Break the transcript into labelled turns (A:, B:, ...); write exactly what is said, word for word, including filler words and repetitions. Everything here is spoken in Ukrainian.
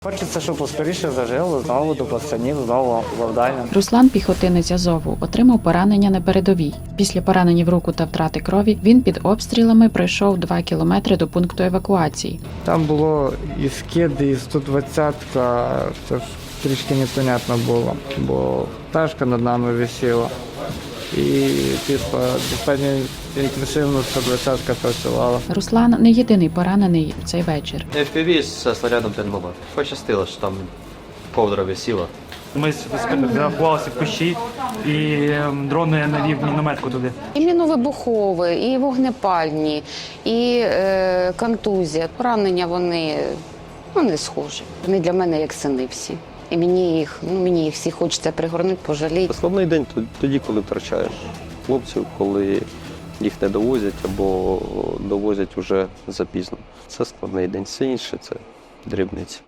A: Хочеться, щоб поскоріше зажило, знову до пацанів, знову завдання.
B: Руслан, піхотинець Азову, отримав поранення на передовій. Після поранення в руку та втрати крові він під обстрілами пройшов два кілометри до пункту евакуації.
A: Там було і скиди, і сто двадцятка, це ж трішки непонятно було, бо пташка над нами висіла. І типу, достатньо інтенсивно сто двадцятка працювала.
B: Руслан не єдиний поранений в цей вечір.
C: еф пі ві з снарядом Т-два. Пощастило, що там ковдра висіла.
D: Ми заховалися в кущі, і дрони навів мінометку туди.
E: І міновибухові, і вогнепальні, і е, контузія. Поранення вони ну, не схожі. Вони для мене як сини всі. І мені їх, ну, мені їх всі хочеться пригорнути, пожаліти.
F: Складний день тоді, коли втрачаєш хлопців, коли їх не довозять або довозять уже запізно. Це складний день, все інше – це дрібниці.